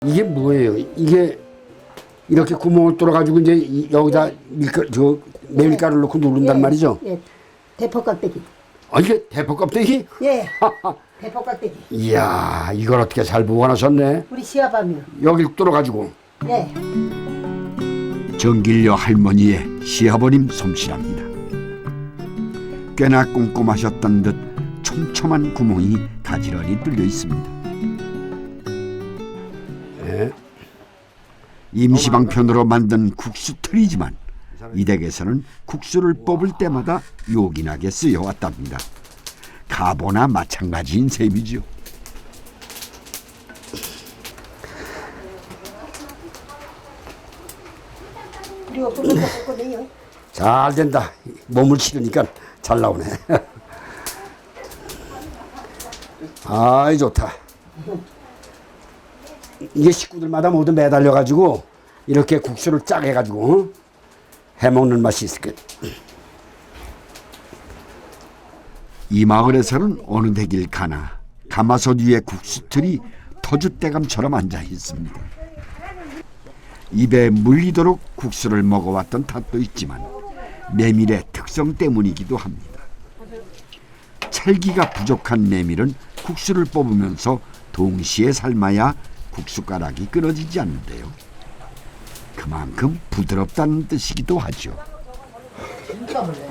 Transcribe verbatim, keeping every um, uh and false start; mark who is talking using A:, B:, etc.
A: 이게 뭐예요? 이게 이렇게 구멍을 뚫어가지고 이제 이- 여기다 밀가, 저 메밀가루를 넣고 누른단
B: 예,
A: 말이죠?
B: 예, 대포 껍데기.
A: 아, 이게 대포 껍데기?
B: 예, 대포 껍데기.
A: 이야, 이걸 어떻게 잘 보관하셨네.
B: 우리 시아밤이요.
A: 여길 뚫어가지고.
B: 예.
C: 정길려 할머니의 시아버님 솜씨랍니다. 꽤나 꼼꼼하셨던 듯 촘촘한 구멍이 가지런히 뚫려 있습니다.
A: 예.
C: 임시방편으로 만든 국수 틀이지만 이 댁에서는 국수를 뽑을 때마다 요긴하게 쓰여왔답니다. 가보나 마찬가지인 셈이죠.
B: 그리고 그거 먹거든요.
A: 잘 된다. 몸을 치르니까 잘 나오네. 아이, 좋다. 이게 식구들마다 모두 매달려가지고 이렇게 국수를 쫙 해가지고 어? 해먹는 맛이 있을 거야.
C: 이 마을에서는 어느 댁일 가나 가마솥 위에 국수틀이 터줏대감처럼 앉아 있습니다. 입에 물리도록 국수를 먹어왔던 탓도 있지만 메밀의 특성 때문이기도 합니다. 찰기가 부족한 메밀은 국수를 뽑으면서 동시에 삶아야 국수가락이 끊어지지 않는데요. 그만큼 부드럽다는 뜻이기도 하죠.
B: 진짜 몰래.